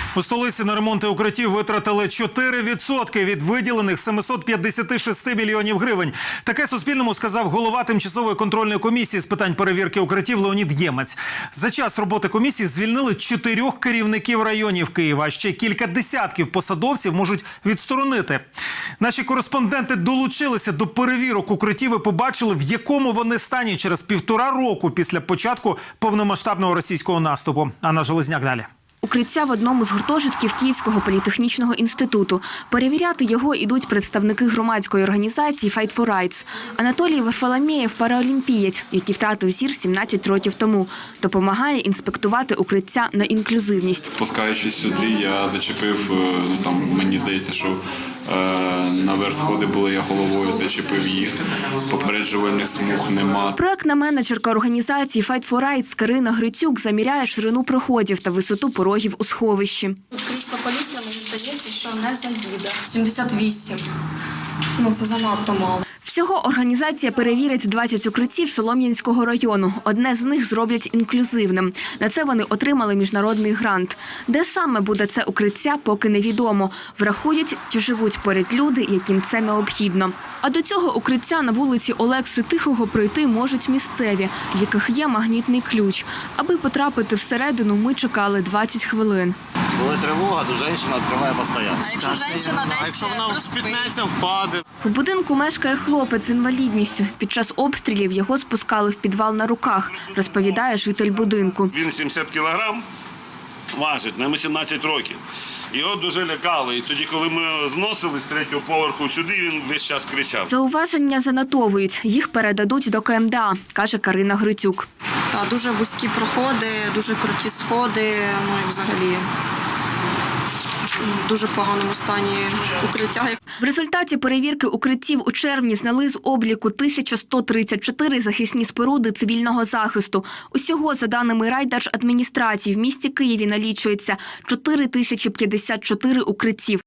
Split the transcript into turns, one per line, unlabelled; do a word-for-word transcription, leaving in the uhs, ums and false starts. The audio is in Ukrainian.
У столиці на ремонти укриттів витратили чотири відсотки від виділених семисот п'ятдесят шість мільйонів гривень. Таке Суспільному сказав голова тимчасової контрольної комісії з питань перевірки укриттів Леонід Ємець. За час роботи комісії звільнили чотирьох керівників районів Києва, а ще кілька десятків посадовців можуть відсторонити. Наші кореспонденти долучилися до перевірок укриттів і побачили, в якому вони стані через півтора року після початку повномасштабного російського наступу. Анна Железняк далі.
Укриття в одному з гуртожитків Київського політехнічного інституту. Перевіряти його ідуть представники громадської організації «Fight for Rights». Анатолій Варфоломєєв – параолімпієць, який втратив зір сімнадцять років тому. Допомагає інспектувати укриття на інклюзивність.
Спускаючись сюди, я зачепив, ну, там, мені здається, що е, наверх сходи були, я головою зачепив їх. Попереджувальних смуг нема.
Проектна менеджерка організації «Fight for Rights» Карина Грицюк заміряє ширину проходів та висоту порогів у сховищі.
Крісло колісне, мені здається, що не заїде. сімдесят вісім. Ну, це занадто мало.
Всього організація перевірить двадцять укриттів Солом'янського району. Одне з них зроблять інклюзивним. На це вони отримали міжнародний грант. Де саме буде це укриття, поки невідомо. Врахують, чи живуть поряд люди, яким це необхідно. А до цього укриття на вулиці Олекси Тихого пройти можуть місцеві, в яких є магнітний ключ. Аби потрапити всередину, ми чекали двадцять хвилин.
Коли тривога, то жінка відкриває постійно.
А якщо жінка десь
А якщо вона спітнеться, впаде?
В будинку мешкає хлопець з інвалідністю. Під час обстрілів його спускали в підвал на руках, розповідає житель будинку.
Він сімдесят кілограм важить, йому сімнадцять років. Його дуже лякали. І тоді, коли ми зносили з третього поверху сюди, він весь час кричав.
Зауваження занотовують. Їх передадуть до ка ем де а, каже Карина Грицюк.
Та дуже вузькі проходи, дуже круті сходи, ну і взагалі в дуже поганому стані укриття.
В результаті перевірки укриттів у червні зняли з обліку тисяча сто тридцять чотири захисні споруди цивільного захисту. Усього, за даними райдержадміністрації, в місті Києві налічується чотири тисячі п'ятдесят чотири укриттів.